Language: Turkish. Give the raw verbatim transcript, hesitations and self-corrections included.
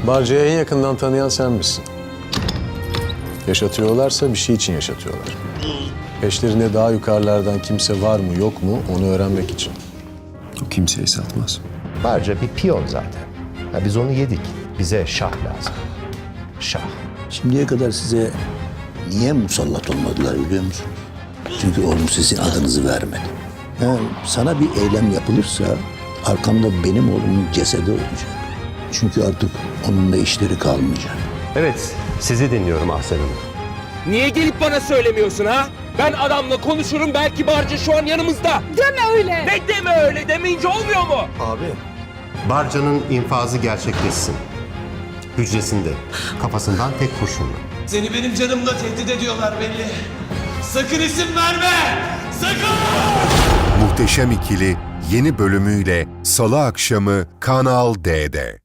Barca'yı en yakından tanıyan sen misin? Yaşatıyorlarsa bir şey için yaşatıyorlar. Peşlerinde daha yukarılardan kimse var mı yok mu onu öğrenmek için. O kimseyi satmaz. Barca bir piyon zaten. Ya biz onu yedik. Bize şah lazım. Şah. Şimdiye kadar size niye musallat olmadılar biliyor musunuz? Çünkü oğlum sizin adınızı vermedi. Yani sana bir eylem yapılırsa arkamda benim oğlumun cesedi olacak. Çünkü artık onunla işleri kalmayacak. Evet, sizi dinliyorum Ahsen Hanım. Niye gelip bana söylemiyorsun ha? Ben adamla konuşurum, belki Barca şu an yanımızda. Deme öyle. Ne deme öyle demeyince olmuyor mu? Barca'nın infazı gerçekleşsin. Hücresinde, kafasından tek kurşunla. Seni benim canımla tehdit ediyorlar belli. Sakın isim verme! Sakın! Muhteşem İkili yeni bölümüyle Salı akşamı Kanal D'de.